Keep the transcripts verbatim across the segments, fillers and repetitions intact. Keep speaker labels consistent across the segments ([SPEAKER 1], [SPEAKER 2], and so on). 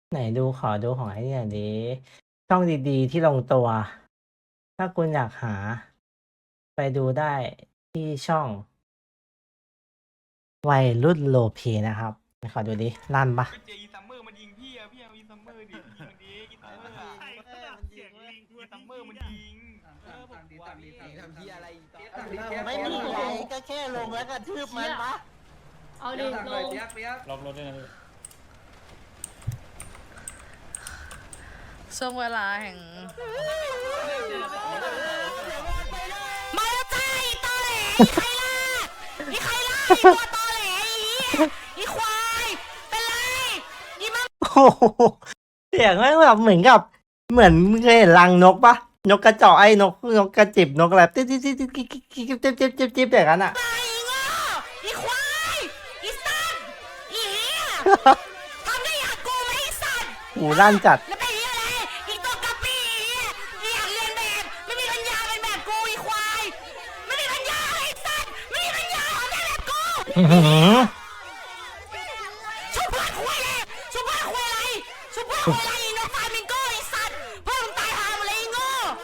[SPEAKER 1] ไหนดูขอดูของไอ้นี่หน่อยดิช่องดีๆที่ลงตัว ถ้าคุณอยากหา ไปดูได้ที่ช่อง วัยรุ่นโรลเพลย์นะครับไหนขอดูดิลั่นปะ
[SPEAKER 2] ไปเจออีซัมเมอร์มันยิงพี่อะพี่เอาอีซัมเมอร์ดิพี่ยิงมันดิอีซัมเมอร์อะ
[SPEAKER 3] ใช่ขนาดเสียงลิง
[SPEAKER 2] อีซัมเมอร์มันยิง
[SPEAKER 3] เออผมกลัวพี่
[SPEAKER 4] ทำที่อะไร
[SPEAKER 5] ไม่มีไงก็แค่ลงแล้วก็ทืบมันปะ
[SPEAKER 6] เอาดิ
[SPEAKER 4] ทาง
[SPEAKER 6] ล
[SPEAKER 4] เลย
[SPEAKER 6] ง
[SPEAKER 4] เปียกเปียก
[SPEAKER 3] ล็อกรถด้วยนะพี่
[SPEAKER 7] ช่วงเวลาแห่งมาแล้วจ้าอีตอแหลอีใครล่ะอีใครล่ะอีตัวตอแหลอีอีควายเป็นไรอีมัง
[SPEAKER 1] โอ้โหเสียงแม่งแบบเหมือนกับ เหมือนมึงเคยเห็นรังนกปะนกกระจอกไอ้นกนกกระจิบนกอะไรจิ๊บจิ๊บจิ๊บจิ๊บจิ๊บจิ๊บจิ๊บจิ๊บจิ๊บจิ๊บอย่างนั้นอ่ะ
[SPEAKER 7] อีโง่อีควายอีสัตว์อีเหี้ยทำได้อยากกูไหมอีสัตว์
[SPEAKER 1] หูลั่นจัด
[SPEAKER 7] แล้วเป็นเหี้ยอะไรอีตัวกะปีอีอยากเรียนแบบไม่มีปัญญาเป็นแบบกูอีควายไม่มีปัญญาไอ้สัตว์ไม่มีปัญญาทำได้แบบกู
[SPEAKER 1] อื้อหือ
[SPEAKER 7] ชุบเพื่อนคุยเลยชุบเพื่อนคุยอะไรชุบเพื่อนคุยอะไรอีนกฟามิงโก้ไอ้สัตว์เพื่อนมึงตายหาหมดเลยไอ้โง่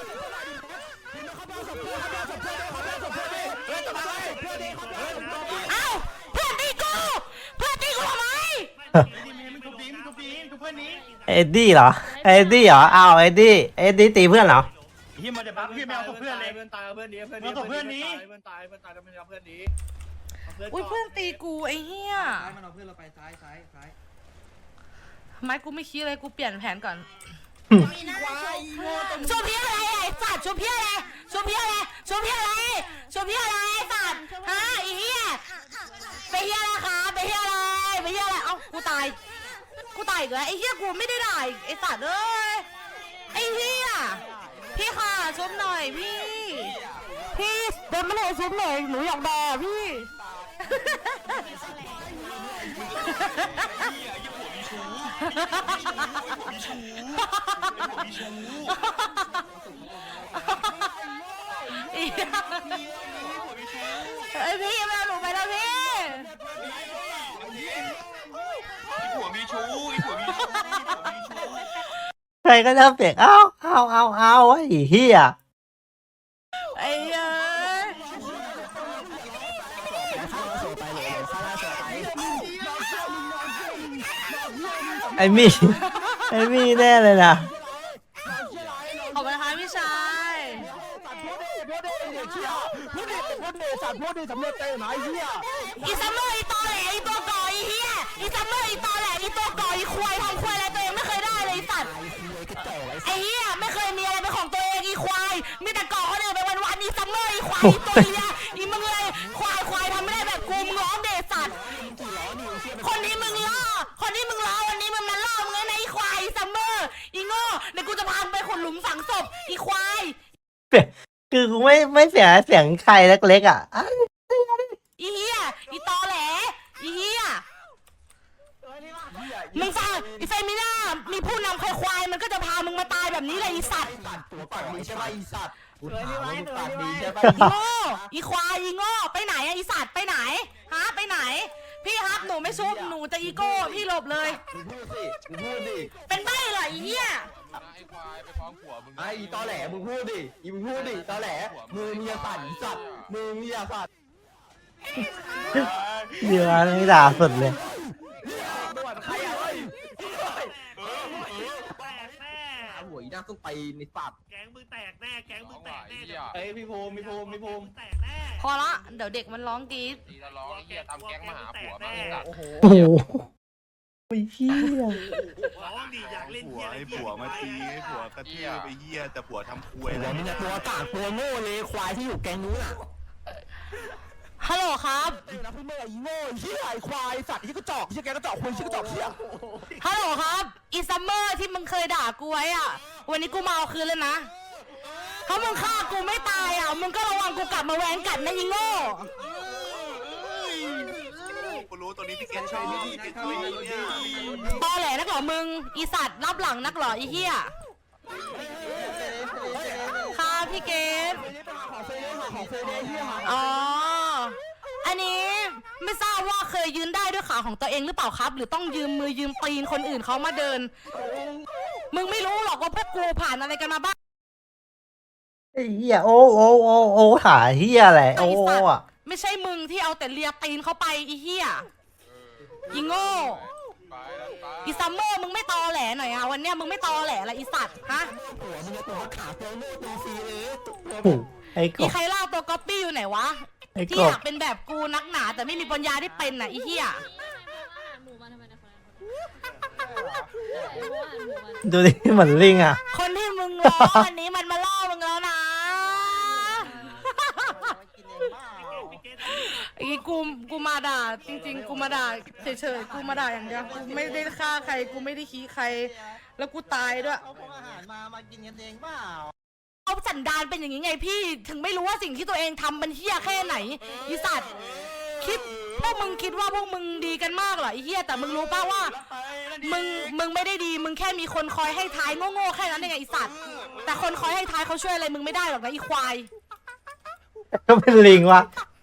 [SPEAKER 7] เอ้าเพื่อนตีกูเพื่อนตีกูทำไม
[SPEAKER 3] นี่มีมันทุบดีมันทุบดีทุบเพื่อนนี้
[SPEAKER 1] เอ็ดดี้เหรอเอ็ดดี้เหรออ้าวเอ็ดดี้เอ็ดดี้ตีเพื่อนเหรอ
[SPEAKER 3] ที่มันจะปั๊บพี่แมวตกเพื่อนเลย
[SPEAKER 4] เพื่อนตายเพื่อนนี้เพื่อน
[SPEAKER 3] แมวตกเพื่อนนี้
[SPEAKER 4] เพื่อนตายเพื่อนตายแล้วมันเอาเพื่อนนี้
[SPEAKER 7] อุ้ยเพื่อนตีกูไอ้เหี้ย
[SPEAKER 4] ซ้ายมันเอาเพื่อนเราไปซ้ายซ้ายซ้าย
[SPEAKER 7] ไม่กูไม่คิดเลยกูเปลี่ยนแผนก่อน
[SPEAKER 5] มีหน้าโชว์
[SPEAKER 7] ชุบเพี้ยอะไรไอ้สัตว์ชุบเพี้ยอะไรชุบเพี้ยอะไรชุบเพี้ยอะไรชุบเพี้ยอะไรไอ้สัตว์ฮะไอ้เหี้ยไปเหี้ยอะไรคะไปเหี้ยอะไรไปเหี้ยอะไรเอ้ากูตายกูตายอีกแล้วไอ้เหี้ยกูไม่ได้ด่าอีกไอ้สัตว์เอ้ยไอ้เหี้ยพี่ค่ะชุบหน่อยพี่ พี่เดินมาเลยชุบหน่อยหนูอยากด่าพี่ไอพี่มาหนูไปแล้วพี่
[SPEAKER 2] ไอ้ผัวมีชู้ไอ้ผัวมีชู้ไอ้ผัวมีชู้
[SPEAKER 1] ใครก็จะเปียกอ้าวอ้าวอ้าวอ้าวไอ้เหี้ย
[SPEAKER 7] ไอ้เอ้ย
[SPEAKER 1] ไอ้มี่ไอ้มี่แน่เลยนะ
[SPEAKER 7] ขอบคุณนะคะพี่ชาย อีซัมเมอร์อีตอแหลอีตัวก่ออีเฮียอีซัมเมอร์อีตอแหลอีตัวก่ออีควายทำควายอะไรตัวเองไม่เคยได้เลยไอ้สัตว์ไอ้เฮียไม่เคยมีอะไรเป็นของตัวเองอีควายมีแต่ก่อคนอื่นไปวันๆอีซัมเมอร์อีควายอีตัวเฮียอีมึงเลยควายควายทำไม่ได้แบบกูมึงร้องเดชสัตว์คนนี้มึงล่อคนนี้มึงล่อวันนี้มึงมาล่อมึงไงนะอีควายอีซัมเมอร์อีโง่เดี๋ยวกูจะพามึงไปขุดหลุมฝังศพอีควาย
[SPEAKER 1] คือกูไม่ไม่เสียเสียงใครเล็กๆอ่ะอ้าว
[SPEAKER 7] อีเฮียอีตอแหลอีเฮียมึงฟังอีเฟมิน่ามีผู้นำควายมันก็จะพามึงมาตายแบบนี้เลยอีสัตว์
[SPEAKER 4] ตัวปากดีใช่ไหมอีสัตว์กูถามว่ามึงปากดีใช่ไหม
[SPEAKER 7] อีโง่อีควายอีโง่ไปไหนอะอีสัตว์ไปไหนฮะไปไหน พี่ครับหนูไม่ชุบหนูจะอีโก้พี่หลบเลย
[SPEAKER 4] มึงพูดสิมึงพูดดิ
[SPEAKER 7] เป็นใบ้เหรออีเฮีย
[SPEAKER 2] ไอ้ควายไปฟ้องผัวมึง
[SPEAKER 4] ไอ้อีตอแหลมึงพูดดิอีมึงพูดดิตอแหลมือมียาสั่นอีสัตว์มือมียาสั่น
[SPEAKER 1] เดี๋ยวไม่ด่าสุดเลย
[SPEAKER 4] ด่วนใครอะเฮ้ย
[SPEAKER 3] แตกแน่
[SPEAKER 4] หาหัวอีน่าต้องไปในสัตว์
[SPEAKER 3] แก๊งมึงแตกแน่แก๊งมึงแตกแน่
[SPEAKER 4] เอ้ยพี่ภูมิพี่ภูมิพี่ภูมิ
[SPEAKER 3] แตกแน่
[SPEAKER 7] พอละเดี๋ยวเด็กมันร้องกรี๊ด
[SPEAKER 2] ตีละร้องไอ้เหี้ยทำแก๊งมาหาผัวมาไอ้สัตว์
[SPEAKER 4] โอ้โห
[SPEAKER 1] โอ้โหไอ้เหี้ย
[SPEAKER 3] ร้องดีอยากเล่น
[SPEAKER 8] ผั
[SPEAKER 3] เฮี
[SPEAKER 8] วย ไอ้ผัวมาตีไอ้ผัวกระทืบไอ้เหี้ยแต่ผัวทำควย
[SPEAKER 4] หัวมึงอะตัวกากตัวโง่เลยควายที่อยู่แกงนู้นอะ
[SPEAKER 7] ฮัลโหลครับ
[SPEAKER 4] นะพี่เมื่อไอ้โง่เหี้ยไอ้ควายสัตว์ที่กระจอกเหี้ยแกกระจอกคนเหี้ยกระจอกเหี้ย
[SPEAKER 7] ฮัลโหลครับอีซัมเมอร์ที่มึงเคยด่ากูไว้อะวันนี้กูมาเอาคืนเลยนะถ้ามึงฆ่ากูไม่ตายอ่ะมึงก็ระวังกูกลับมาแหวนกัดนะอีโง่
[SPEAKER 8] กูรู้ตัวนี้พี่เกณฑ์ชอบพี่เกณฑ์ชอบเนี่ย
[SPEAKER 7] ตอแหลนักเหรอมึงอีสัตว์รับหลังนักเหรออีเหี้ยค่ะพี่เกดอ๋ออันนี้ไม่ทราบว่าเคยยืนได้ด้วยขาของตัวเองหรือเปล่าครับ หรือต้องยืมมือยืมตีนคนอื่นเขามาเดิน มึงไม่รู้หรอกว่าพวกกูผ่านอะไรกันมาบ้าง
[SPEAKER 1] ไอ้เหี้ยโอ้โอ้โอ้โอ้หาเหี้ยอะไรโอ้โอ้อะ
[SPEAKER 7] ไม่ใช่มึงที่เอาแต่เลียตีนเขาไปอีเหี้ยอีโง่อีซัมเมอร์มึงไม่ตอแหลหน่อยอะวันเนี้ยมึงไม่ตอแหลอะไรอีสัตว์ฮะ
[SPEAKER 4] หัวมึงจะตัวขาตัวโง่ตัวฟรีเลย
[SPEAKER 1] โอ้ไอ้ก
[SPEAKER 7] อี
[SPEAKER 1] บ
[SPEAKER 7] ใครเล่าตัวก๊อปปี้อยู่ไหนวะ
[SPEAKER 1] ไอ้
[SPEAKER 7] ที่
[SPEAKER 1] ก
[SPEAKER 7] อบ ยากเป็นแบบกูนักหนาแต่ไม่มีปัญญาที่เป็นน่ะอีเหี้ย
[SPEAKER 6] หมูมันทำไมนะคนนั้น
[SPEAKER 1] ดูดิเหมือนลิงอ่ะ
[SPEAKER 7] คนที่มึงล้อวันนี้มันมาล่อมึงแล้วนะ
[SPEAKER 5] กินเองเปล่า
[SPEAKER 7] ไอ้กูกูมาด่าจริง ๆ กูมาด่าเฉยๆกูมาด่าอย่างเดียวกูไม่ได้ฆ่าใครกูไม่ได้ขี้ใคร แล้วกูตายด้วย
[SPEAKER 5] เอาพวกอาหารมามากินกันเองเปล่า
[SPEAKER 7] เอาสันดานเป็นอย่างนี้ไงพี่ถึงไม่รู้ว่าสิ่งที่ตัวเองทำมันเหี้ยแค่ไหนอีสัตว์คิดพวกมึงคิดว่าพวกมึงดีกันมากเหรอไอ้เหี้ยแต่มึงรู้ป่าว่า มึงมึงไม่ได้ดีมึงแค่มีคนคอยให้ท้ายโง่ๆแค่นั้นเองไงไอ้สัตว์แต่คนคอยให้ท้ายเขาช่วยอะไรมึงไม่ได้หรอกนะอีควาย
[SPEAKER 1] ก็เป็นลิงวะ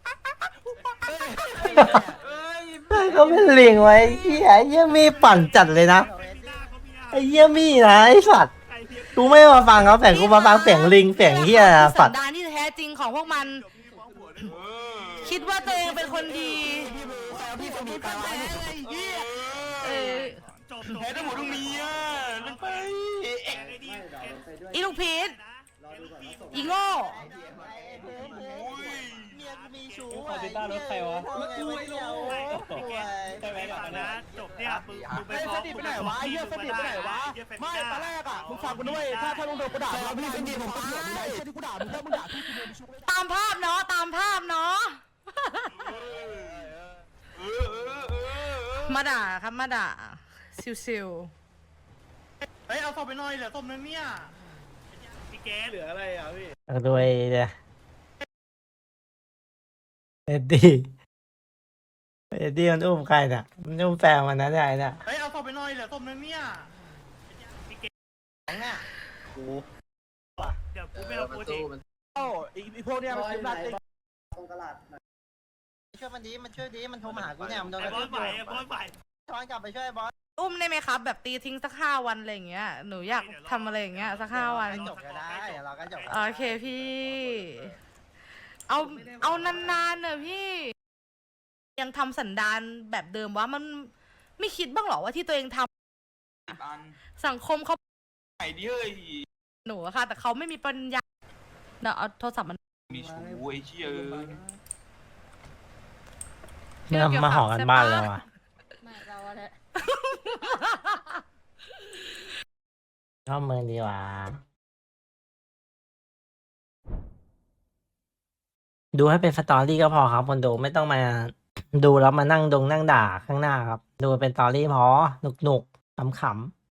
[SPEAKER 1] ก็เป็นลิงไว้ไอ้เหี้ยไอ้เหี้ยมีปั่นจัดเลยนะไอ้เหี้ยมีนะไอ้สัตว์กูไม่มาฟังเขาแต่กูมาฟังเสียงลิงเสียงเหี้ยนะ
[SPEAKER 7] สั
[SPEAKER 1] สั
[SPEAKER 7] น
[SPEAKER 1] ตว์
[SPEAKER 7] ดานที่แท้จริงของพวกมัน คิดว่าตัวเองเป็นคนดี
[SPEAKER 4] พี่สมีการไว้
[SPEAKER 7] เออ
[SPEAKER 3] จบ
[SPEAKER 2] แพ้ทั้งหมดทั้งนี้อ่ะลงไป
[SPEAKER 7] อีลูกพีชอีโง่
[SPEAKER 5] เมียกูมีชู้
[SPEAKER 3] คอมพิวเตอร์รถใครวะ
[SPEAKER 5] แล้วกูไม่รู้
[SPEAKER 3] ใช่ไหมก่อนนะจบเนี่ยมึงมึงไป
[SPEAKER 4] ไอ้
[SPEAKER 3] ฟ้
[SPEAKER 4] ส
[SPEAKER 3] อง
[SPEAKER 4] ติไปไหนวะไอ้เหี้ยสติไปไหนวะไม่ตอนแรกอ่ะมึงฟังกูด้วยถ้าถ้ามึงโดนกูด่ามึงสติผมตายไอ้ที่กูด่ามึงถ้ามึงด่าพี่กูโดนชุบ
[SPEAKER 7] ตามภาพเนาะตามภาพเนาะมาด่าครับมาด่าซิว
[SPEAKER 3] เฮ้ยเอาศพไปหน่อยเหลือศพนึงเนี่ยพี่แกเหลืออะไรอ่ะพี่
[SPEAKER 1] เอาด้วยเนี่ยเอ็ดดี้เอ็ดดี้มันอุ้มใครน่ะมันอุ้มแฟนมันนะเนี่ยไอ้เนี่ย
[SPEAKER 3] เฮ้ยเอาศพไปหน่อยเหลือศพนึงเนี่ย เดี๋ยวกูไม่เอาโปรเจกต์
[SPEAKER 4] โอ้อีพวกเนี้ยมันคิดหนักเลย
[SPEAKER 5] ช่วยมันดีมันช่วยดีมันโทรมาหากูเนี่ยมันโดน
[SPEAKER 3] ไอ้
[SPEAKER 5] กระ
[SPEAKER 3] บอ
[SPEAKER 5] ทื
[SPEAKER 3] ส
[SPEAKER 5] บ
[SPEAKER 3] ไหว
[SPEAKER 5] อยู่
[SPEAKER 3] ไอ้บอสไหว
[SPEAKER 5] ช้อนกลับไปช่วยบอส
[SPEAKER 7] ๆอุ้มได้ไหมครับ แบบตีทิ้งสักห้าวันอะไรอย่างเงี้ยหนูอยากทำอะไรอย่างเงี้ยสักห้าวัน
[SPEAKER 5] ให้จบก็ได้เดี๋ยวเราก็จบ
[SPEAKER 7] โอเคพี่ เอาเอานานๆเนอะพี่ ยังทำสันดานแบบเดิมว่ามันไม่คิดบ้างเหรอว่าที่ตัวเองทำสังคมเขา
[SPEAKER 2] ไหนดิเฮ้ย
[SPEAKER 7] หนูอะค่ะ แต่เขาไม่มีปัญญาเดี๋ยวเอาโทรศัพท์มัน
[SPEAKER 2] มีชูไอ้เชี่ย
[SPEAKER 1] มันมาหอกันบ้านแล้วอ่ะ
[SPEAKER 6] ไม่เราอะไร
[SPEAKER 1] ชอบมือดีกว่า ดูให้เป็นสตอรี่ก็พอครับคนดูไม่ต้องมา ดูแล้วมานั่งดงนั่งด่าข้างหน้าครับ ดูเป็นสตอรี่พอหนุกๆขำๆ